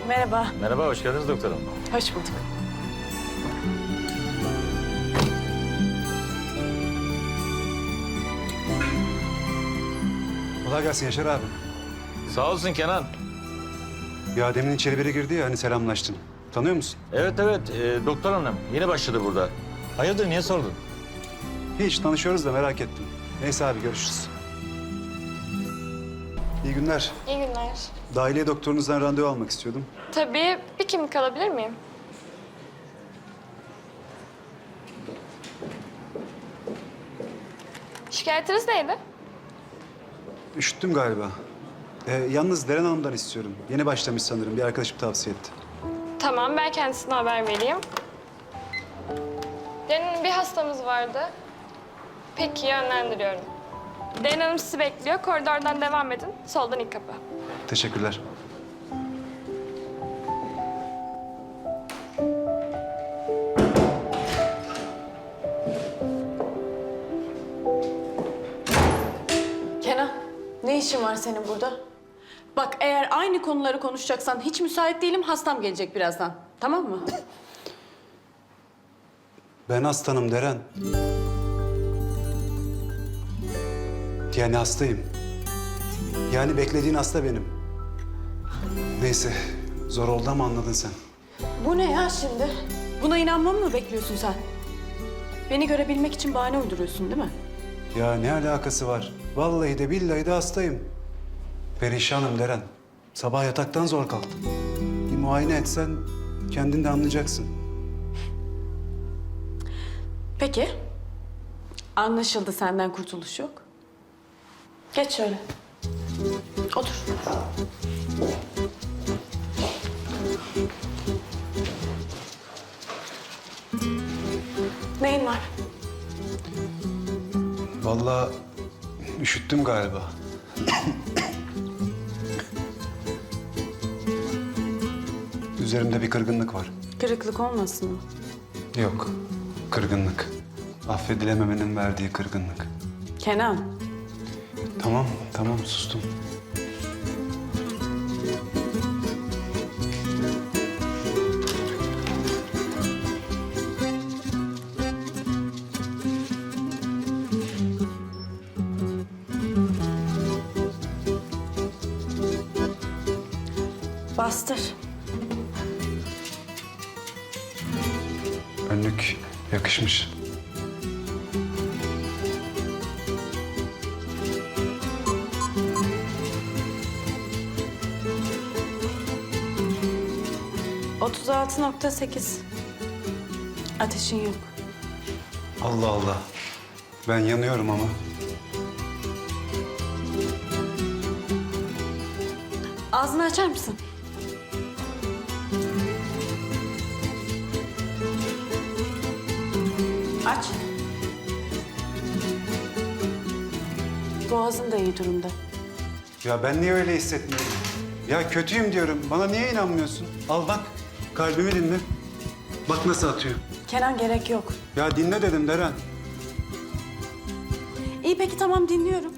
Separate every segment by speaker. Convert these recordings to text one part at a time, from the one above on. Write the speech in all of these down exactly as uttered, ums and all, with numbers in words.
Speaker 1: Merhaba.
Speaker 2: Merhaba, hoş geldiniz doktorum.
Speaker 1: Hoş bulduk.
Speaker 3: Kolay gelsin Yaşar abi.
Speaker 2: Sağ olsun Kenan.
Speaker 3: Ya demin içeri biri girdi ya hani selamlaştın. Tanıyor musun?
Speaker 2: Evet evet, e, doktor hanım yeni başladı burada. Hayırdır, niye sordun?
Speaker 3: Hiç tanışıyoruz da merak ettim. Neyse abi görüşürüz. İyi günler.
Speaker 4: İyi günler.
Speaker 3: Dahiliye doktorunuzdan randevu almak istiyordum.
Speaker 4: Tabii bir kimlik alabilir miyim? Şikayetiniz neydi?
Speaker 3: Üşüttüm galiba. Ee, yalnız Deren Hanım'dan istiyorum. Yeni başlamış sanırım. Bir arkadaşım tavsiye etti.
Speaker 4: Tamam, ben kendisine haber vereyim. Derin bir hastamız vardı. Peki, yönlendiriyorum. Derin Hanım sizi bekliyor. Koridordan devam edin. Soldan ilk kapı.
Speaker 3: Teşekkürler.
Speaker 1: Kenan, ne işin var senin burada? Bak eğer aynı konuları konuşacaksan hiç müsait değilim. Hastam gelecek birazdan. Tamam mı?
Speaker 3: Ben hastanım Deren. Yani hastayım. Yani beklediğin hasta benim. Neyse, zor oldu ama anladın sen.
Speaker 1: Bu ne ya şimdi? Buna inanmamı mı bekliyorsun sen? Beni görebilmek için bahane uyduruyorsun değil mi?
Speaker 3: Ya ne alakası var? Vallahi de billahi de hastayım. Perişanım Deren. Sabah yataktan zor kalktım. Bir muayene etsen kendin de anlayacaksın.
Speaker 1: Peki. Anlaşıldı, senden kurtuluş yok. Geç şöyle. Otur. Neyin var?
Speaker 3: Vallahi üşüttüm galiba. Üzerimde bir kırgınlık var.
Speaker 1: Kırıklık olmasın mı?
Speaker 3: Yok, kırgınlık. Affedilememenin verdiği kırgınlık.
Speaker 1: Kenan,
Speaker 3: Tamam, tamam sustum.
Speaker 1: bastır.
Speaker 3: Önlük yakışmış.
Speaker 1: otuz altı nokta sekiz. Ateşin yok.
Speaker 3: Allah Allah. Ben yanıyorum ama.
Speaker 1: Ağzını açar mısın? Aç. Boğazın da iyi durumda.
Speaker 3: Ya ben niye öyle hissetmiyorum? Ya kötüyüm diyorum. Bana niye inanmıyorsun? Al bak. Kalbimi dinle. Bak nasıl atıyor.
Speaker 1: Kenan, gerek yok.
Speaker 3: Ya dinle dedim Deren.
Speaker 1: İyi peki, tamam, dinliyorum.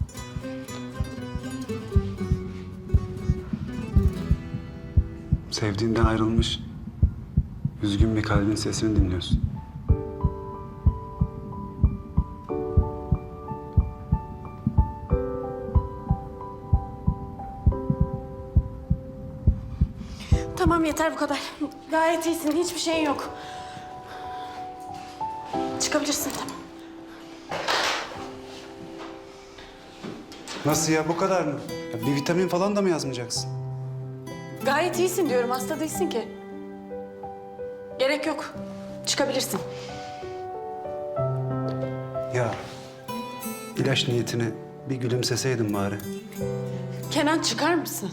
Speaker 3: Sevdiğinden ayrılmış, üzgün bir kalbin sesini dinliyorsun.
Speaker 1: Tamam, yeter bu kadar. Gayet iyisin, hiçbir şeyin yok. Çıkabilirsin, tamam.
Speaker 3: Nasıl ya, bu kadar mı? Ya bir vitamin falan da mı yazmayacaksın?
Speaker 1: Gayet iyisin diyorum, hasta değilsin ki. Gerek yok. Çıkabilirsin.
Speaker 3: Ya ilaç niyetine bir gülümseseydin bari.
Speaker 1: Kenan, çıkar mısın?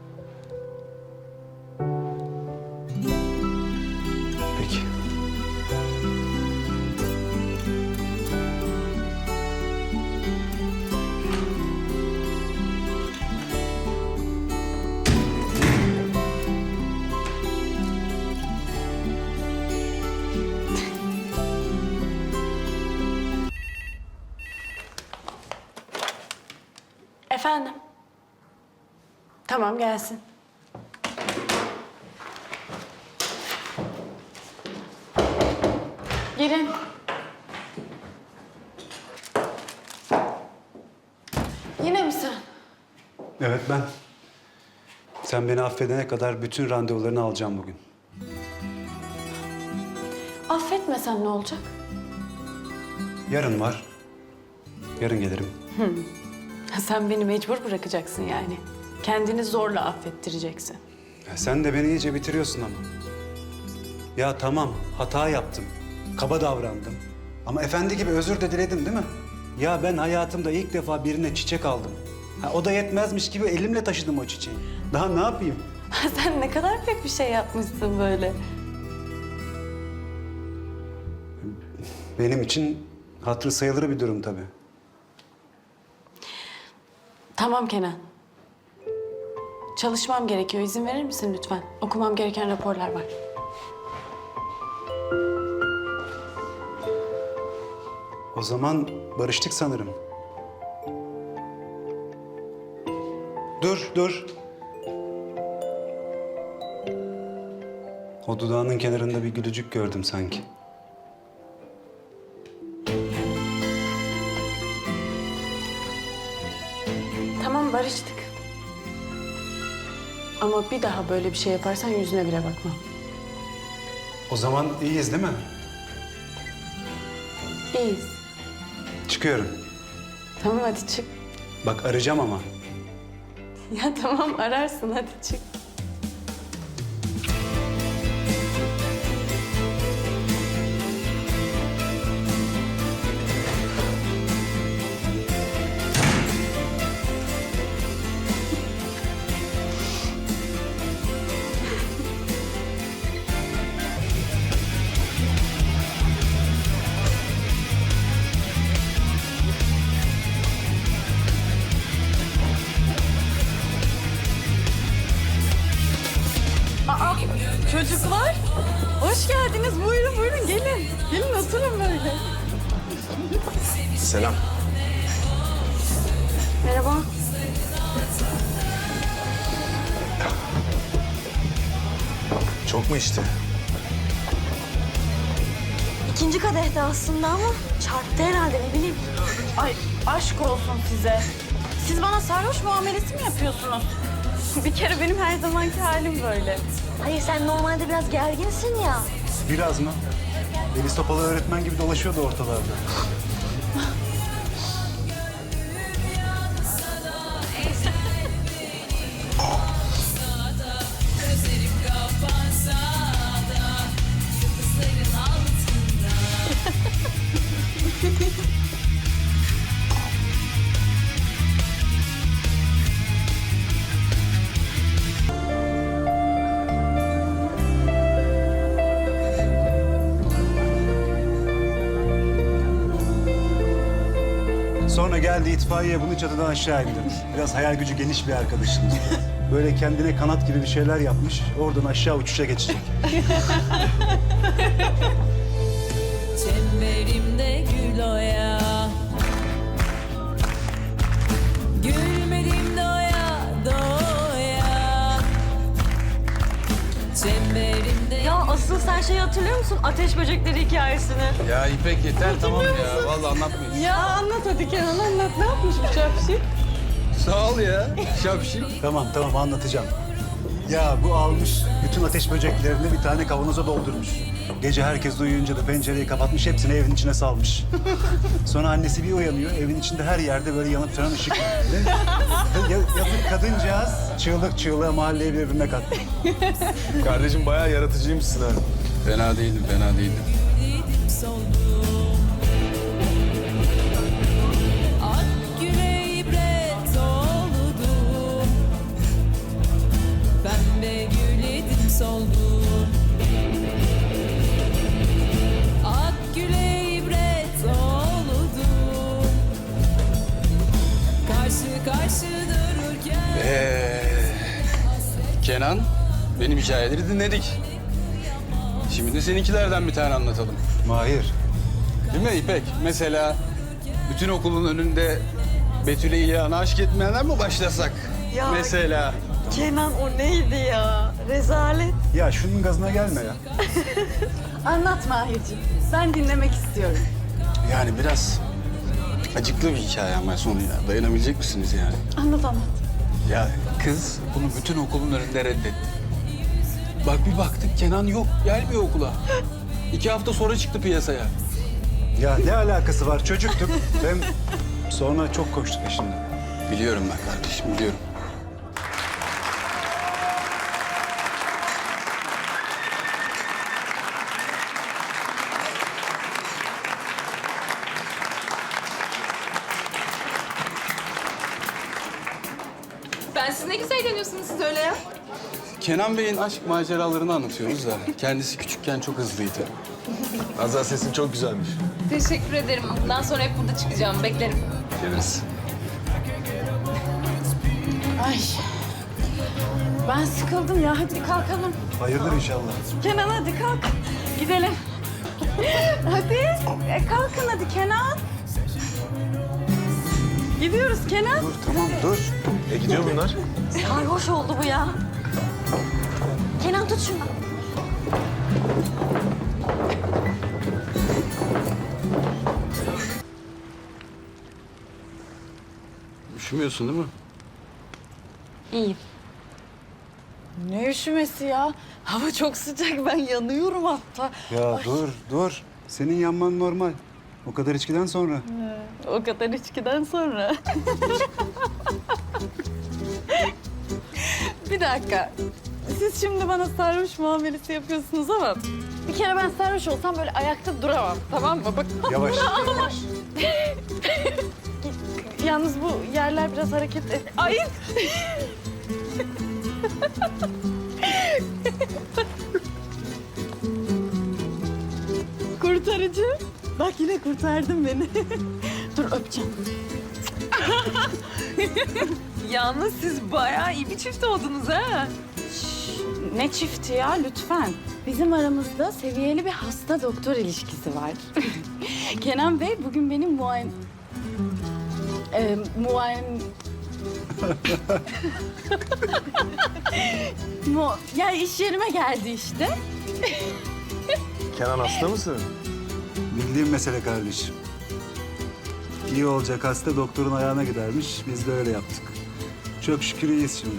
Speaker 3: Peki.
Speaker 1: Efendim? Tamam, gelsin. Gelin. Yine mi sen?
Speaker 3: Evet ben. Sen beni affedene kadar bütün randevularını alacağım bugün.
Speaker 1: Affetmesen ne olacak?
Speaker 3: Yarın var. Yarın gelirim.
Speaker 1: Sen beni mecbur bırakacaksın yani. Kendini zorla affettireceksin.
Speaker 3: Ya sen de beni iyice bitiriyorsun ama. Ya tamam, hata yaptım. Kaba davrandım. Ama efendi gibi özür de diledim değil mi? Ya ben hayatımda ilk defa birine çiçek aldım. Ha, o da yetmezmiş gibi elimle taşıdım o çiçeği. Daha ne yapayım?
Speaker 1: Sen ne kadar pek bir şey yapmışsın böyle.
Speaker 3: Benim için hatırı sayılır bir durum tabii.
Speaker 1: Tamam Kenan. Çalışmam gerekiyor. İzin verir misin lütfen? Okumam gereken raporlar var.
Speaker 3: O zaman barıştık sanırım. Dur, dur. O dudağının kenarında bir gülücük gördüm sanki.
Speaker 1: Tamam barıştık. Ama bir daha böyle bir şey yaparsan yüzüne bile bakmam.
Speaker 3: O zaman iyiyiz değil mi?
Speaker 1: İyiyiz.
Speaker 3: Çıkıyorum.
Speaker 1: Tamam hadi çık.
Speaker 3: Bak arayacağım ama.
Speaker 1: Ya tamam ararsın hadi çık. Aa, çocuklar. Hoş geldiniz. Buyurun buyurun gelin. Gelin oturun böyle.
Speaker 5: Selam.
Speaker 1: Merhaba.
Speaker 5: Çok mu içti?
Speaker 6: İkinci kadehte aslında ama çarptı herhalde ne bileyim.
Speaker 1: Ay aşk olsun size. Siz bana sarhoş muamelesi mi yapıyorsunuz? Bir kere benim her zamanki halim böyle.
Speaker 6: Hayır sen normalde biraz gerginsin ya.
Speaker 3: Biraz mı? Deniz Topalı öğretmen gibi dolaşıyordu ortalarda. Sonra geldi itfaiye bunu çatıdan aşağı indirdi. Biraz hayal gücü geniş bir arkadaşımız. Böyle kendine kanat gibi bir şeyler yapmış. Oradan aşağı uçuşa geçecek.
Speaker 7: Çemberimde gül oya, gülmedim doya doya. Çemberimde
Speaker 6: Ya asıl sen şeyi hatırlıyor musun? Ateş böcekleri hikayesini.
Speaker 5: Ya İpek yeter tamam ya. Vallahi anlatmayın.
Speaker 1: Ya anlat hadi Kenan anlat. Ne yapmış bu çapşik?
Speaker 5: Sağ ol ya. Şapşik.
Speaker 3: Tamam tamam anlatacağım. Ya bu almış bütün ateş böceklerini bir tane kavanoza doldurmuş. Gece herkes uyuyunca da pencereyi kapatmış, hepsini evin içine salmış. Sonra annesi bir uyanıyor, evin içinde her yerde böyle yanıp sönen ışık var. Ya, yazık kadıncağız çığlık çığlığa mahalleyi birbirine kattı.
Speaker 5: Kardeşim bayağı yaratıcıymışsın ha. Fena değildim, fena değildim.
Speaker 7: gülledim soldum. Ak güle ibret oldum. Pembe gülledim soldum. Ak güle ibret oldum. Karşı karşı dururken
Speaker 5: Ee, Kenan, benim hikayeleri dinledik. Şimdi de seninkilerden bir tane anlatalım.
Speaker 3: Mahir,
Speaker 5: Değil mi İpek? Mesela bütün okulun önünde Betül'e İlhan'a aşk etmeyenden mi başlasak?
Speaker 6: Ya-
Speaker 5: Mesela.
Speaker 6: Kenan o neydi ya? Rezalet.
Speaker 3: Ya şunun gazına gelme ya.
Speaker 1: Anlat Mahir'ciğim. Ben dinlemek istiyorum.
Speaker 5: Yani biraz acıklı bir hikaye ama sonu ya. Dayanabilecek misiniz yani?
Speaker 1: Anlat anlat.
Speaker 5: Ya kız bunu bütün okulun önünde reddetti. Bak bir baktık Kenan yok, gelmiyor okula. İki hafta sonra çıktı piyasaya.
Speaker 3: Ya ne alakası var? Çocuktuk. Hem sonra çok koştuk peşinden.
Speaker 5: Biliyorum ben kardeşim, biliyorum.
Speaker 8: Ben siz ne güzel eğleniyorsunuz siz öyle ya.
Speaker 5: Kenan Bey'in aşk maceralarını anlatıyoruz da kendisi küçükken çok hızlıydı.
Speaker 2: Azra sesin çok güzelmiş.
Speaker 8: Teşekkür ederim. Bundan sonra hep burada çıkacağım. Beklerim.
Speaker 5: Geliriz.
Speaker 1: Ay. Ben sıkıldım ya. Hadi kalkalım.
Speaker 3: Hayırdır inşallah.
Speaker 1: Kenan hadi kalk. Gidelim. Hadi. E, kalkın hadi Kenan. Gidiyoruz Kenan.
Speaker 3: Dur tamam dur.
Speaker 2: E gidiyor bunlar.
Speaker 6: Sarhoş oldu bu ya. Kenan tut şunu.
Speaker 5: Üşümüyorsun değil mi?
Speaker 6: İyi.
Speaker 1: Ne üşümesi ya? Hava çok sıcak. Ben yanıyorum hatta.
Speaker 3: Ya dur dur. Senin yanman normal. O kadar içkiden sonra.
Speaker 1: O kadar içkiden sonra. Bir dakika. Siz şimdi bana sarhoş muamelesi yapıyorsunuz ama bir kere ben sarhoş olsam böyle ayakta duramam. Tamam mı? Bak.
Speaker 3: Yavaş. Yavaş.
Speaker 1: Yalnız bu yerler biraz hareket et. Ay! Kurtarıcı. Bak yine kurtardın beni. Dur öpeceğim.
Speaker 8: Yalnız siz bayağı iyi bir çift oldunuz ha.
Speaker 1: Ne çifti ya lütfen. Bizim aramızda seviyeli bir hasta doktor ilişkisi var. Kenan Bey bugün benim muayen... Ee, muayen... Mu... Ya iş yerime geldi işte.
Speaker 2: Kenan hasta mısın?
Speaker 3: Bildiğim mesele kardeşim. İyi olacak hasta doktorun ayağına gidermiş. Biz de öyle yaptık. Çok şükür iyiyiz şimdi.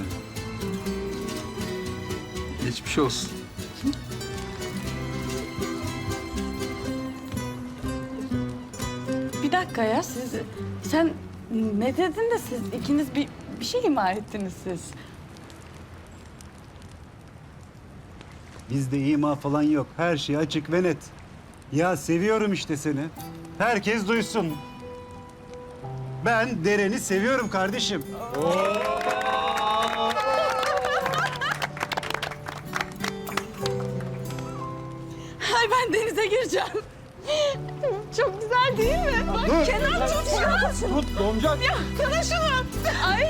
Speaker 5: Geçmiş olsun.
Speaker 1: Bir dakika ya siz... Sen ne dedin de siz ikiniz bir, bir şey ima ettiniz siz.
Speaker 3: Bizde ima falan yok. Her şey açık ve net. Ya seviyorum işte seni. Herkes duysun. Ben Deren'i seviyorum kardeşim.
Speaker 1: Ay ben denize gireceğim. Çok güzel değil mi? Bak
Speaker 3: Dur.
Speaker 1: Kenan tut şunu.
Speaker 3: Tut donacak.
Speaker 1: Ya sana şunu. Ay.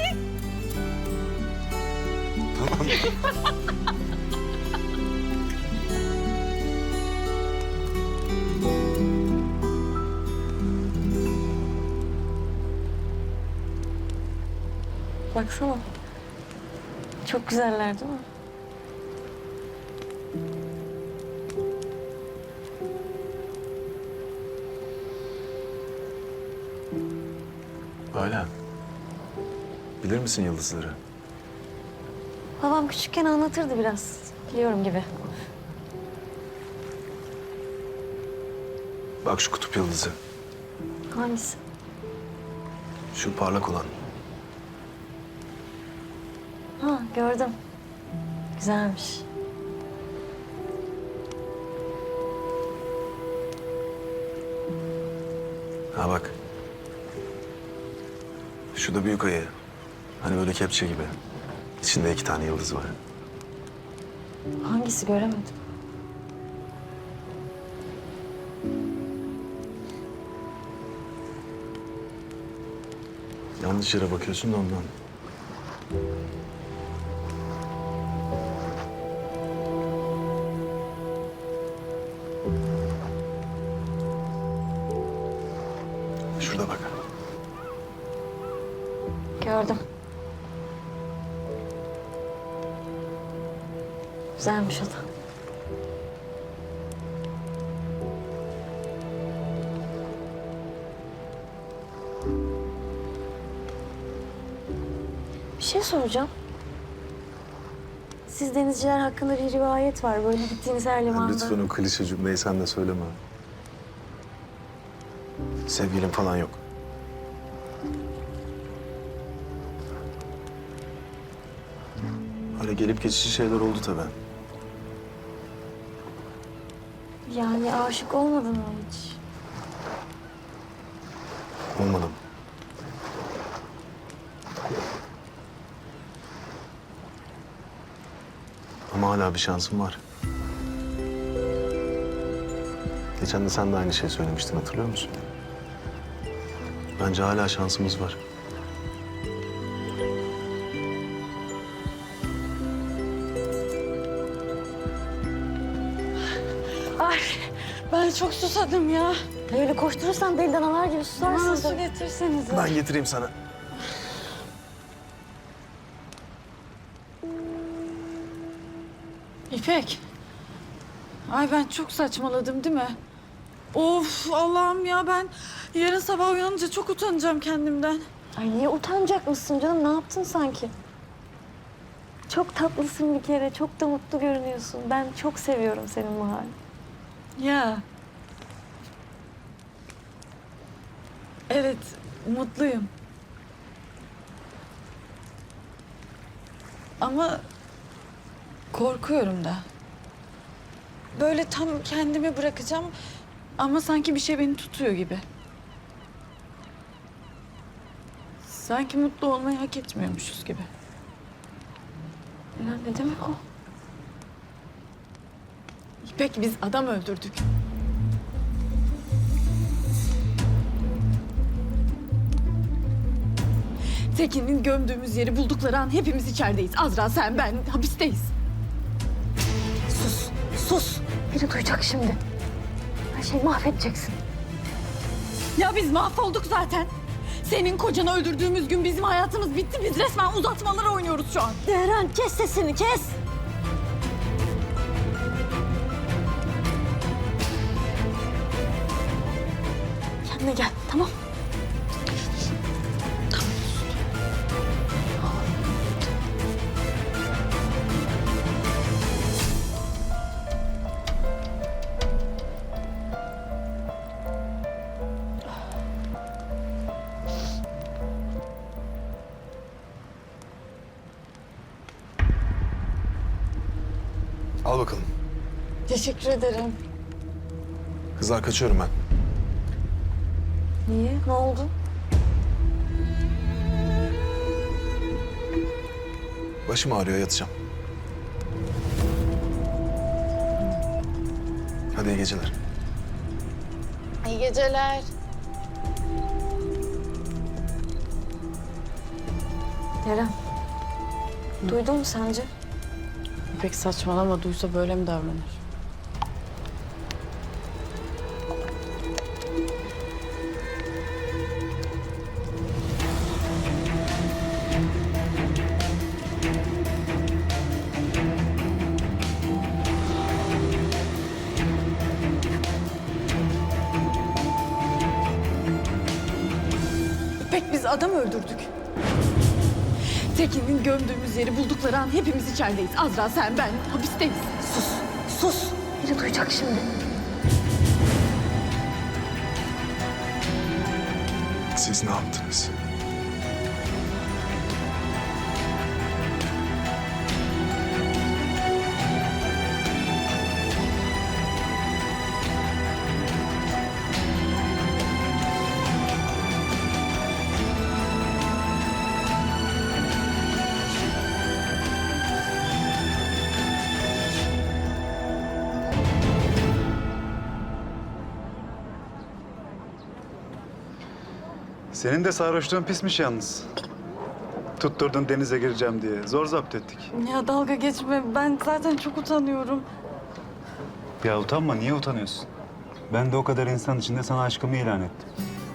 Speaker 6: Baksana. Çok güzeller değil mi?
Speaker 9: Hala. Bilir misin yıldızları?
Speaker 6: Babam küçükken anlatırdı biraz. Biliyorum gibi.
Speaker 9: Bak şu kutup yıldızı.
Speaker 6: Hangisi?
Speaker 9: Şu parlak olan.
Speaker 6: Ha gördüm. Güzelmiş.
Speaker 9: Ha bak. Şu da büyük ayı. Hani böyle kepçe gibi. İçinde iki tane yıldız var.
Speaker 6: Hangisi göremedim.
Speaker 9: Yanlış yere bakıyorsun da ondan. Şurada bak.
Speaker 6: Gördüm. Güzelmiş o da. Bir şey soracağım. Siz denizciler hakkında bir rivayet var. Böyle gittiğiniz her limanda.
Speaker 9: Lütfen o klişe cümleyi sen de söyleme. Sevgilim falan yok. Öyle gelip geçici şeyler oldu tabii.
Speaker 6: Yani aşık olmadın mı hiç?
Speaker 9: Olmadım. Ama hala bir şansım var. Geçen de sen de aynı şeyi söylemiştin, hatırlıyor musun? Bence hala şansımız var.
Speaker 1: Ay ben çok susadım ya.
Speaker 6: Öyle koşturursan deli danalar gibi susarsın.
Speaker 1: Bana su
Speaker 6: tabii.
Speaker 1: getirsenize.
Speaker 9: Ben getireyim sana.
Speaker 1: İpek. Ay ben çok saçmaladım değil mi? Of Allah'ım ya ben yarın sabah uyanınca çok utanacağım kendimden.
Speaker 6: Ay niye utanacak mısın canım? Ne yaptın sanki? Çok tatlısın bir kere. Çok da mutlu görünüyorsun. Ben çok seviyorum senin bu halini.
Speaker 1: Ya. Evet, mutluyum. Ama korkuyorum da. Böyle tam kendimi bırakacağım ama sanki bir şey beni tutuyor gibi. Sanki mutlu olmayı hak etmiyormuşuz gibi.
Speaker 6: Ya ne demek o?
Speaker 1: İpek biz adam öldürdük. Tekin'in gömdüğümüz yeri buldukları an hepimiz içerideyiz. Azra, sen, ben hapisteyiz.
Speaker 6: Sus, sus. Biri duyacak şimdi. Her şeyi mahvedeceksin.
Speaker 1: Ya biz mahvolduk zaten. Senin kocanı öldürdüğümüz gün bizim hayatımız bitti. Biz resmen uzatmalara oynuyoruz şu an.
Speaker 6: Deren kes sesini kes. Kendine gel tamam.
Speaker 9: Al bakalım.
Speaker 1: Teşekkür ederim.
Speaker 9: Kızlar kaçıyorum ben.
Speaker 6: Niye? Ne oldu?
Speaker 9: Başım ağrıyor, yatacağım. Hadi iyi geceler.
Speaker 1: İyi geceler.
Speaker 6: Deren. Duydun mu sence?
Speaker 1: İpek saçmalama, duysa böyle mi davranır? İpek biz adam öldürdük. Tekin'in gömdüğümüz yeri buldukları an hepimiz içerideyiz. Azra, sen, ben hapisteyiz.
Speaker 6: Sus, sus. Biri duyacak şimdi.
Speaker 9: Siz ne yaptınız?
Speaker 3: Senin de sarhoşluğun pismiş yalnız. Tutturdun denize gireceğim diye. Zor zapt ettik.
Speaker 1: Ya dalga geçme. Ben zaten çok utanıyorum.
Speaker 3: Ya utanma, niye utanıyorsun? Ben de o kadar insan içinde sana aşkımı ilan ettim.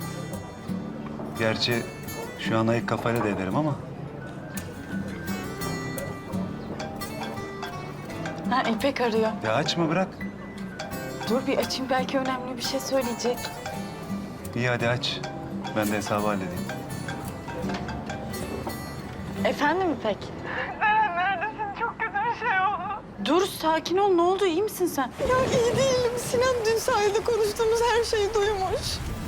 Speaker 3: Gerçi şu an ayık kafayla da ederim ama...
Speaker 1: Ha, İpek arıyor.
Speaker 3: Ya açma bırak.
Speaker 1: Dur bir açayım, belki önemli bir şey söyleyecek.
Speaker 3: İyi hadi aç. Ben de hesabı halledeyim.
Speaker 6: Efendim İpek?
Speaker 1: Dur sakin ol, ne oldu, iyi misin sen?
Speaker 8: Ya iyi değilim. Sinan dün sahilde konuştuğumuz her şeyi duymuş.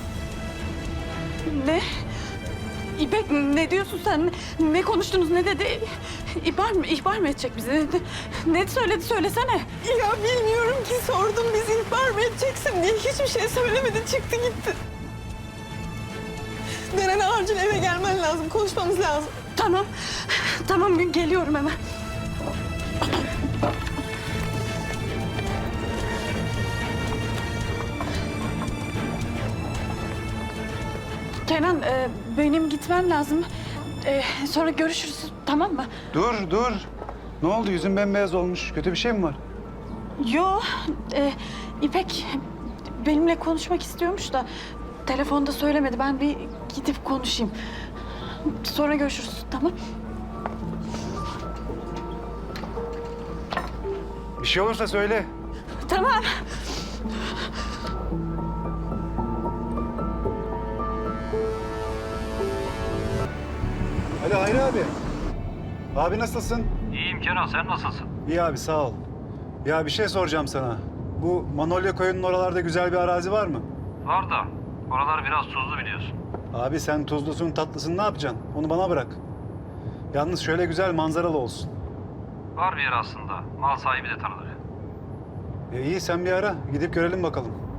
Speaker 1: Ne? İpek ne diyorsun sen? Ne, ne konuştunuz, ne dedi? İhbar mı, ihbar mı edecek bizi? Ne, ne söyledi, söylesene.
Speaker 8: Ya bilmiyorum ki, sordum bizi ihbar mı edeceksin diye. Hiçbir şey söylemedi, çıktı gitti. Deren acil eve gelmen lazım, konuşmamız lazım.
Speaker 1: Tamam, tamam geliyorum hemen. Kenan, e, benim gitmem lazım. E, sonra görüşürüz, tamam mı?
Speaker 3: Dur dur. Ne oldu? Yüzün bembeyaz olmuş. Kötü bir şey mi var?
Speaker 1: Yo, e, İpek benimle konuşmak istiyormuş da telefonda söylemedi. Ben bir gidip konuşayım. Sonra görüşürüz, tamam?
Speaker 3: Bir şey olursa söyle.
Speaker 1: Tamam.
Speaker 3: Hadi Hayri abi. Abi nasılsın?
Speaker 10: İyiyim Kenan, sen nasılsın?
Speaker 3: İyi abi sağ ol. Ya bir şey soracağım sana. Bu Manolya Koyun'un oralarda güzel bir arazi var mı?
Speaker 10: Var da, oralar biraz tuzlu biliyorsun.
Speaker 3: Abi sen tuzlusun tatlısın ne yapacaksın? Onu bana bırak. Yalnız şöyle güzel manzaralı olsun.
Speaker 10: Var bir yer aslında, mal sahibi de tanıdık.
Speaker 3: E iyi sen bir ara gidip görelim bakalım.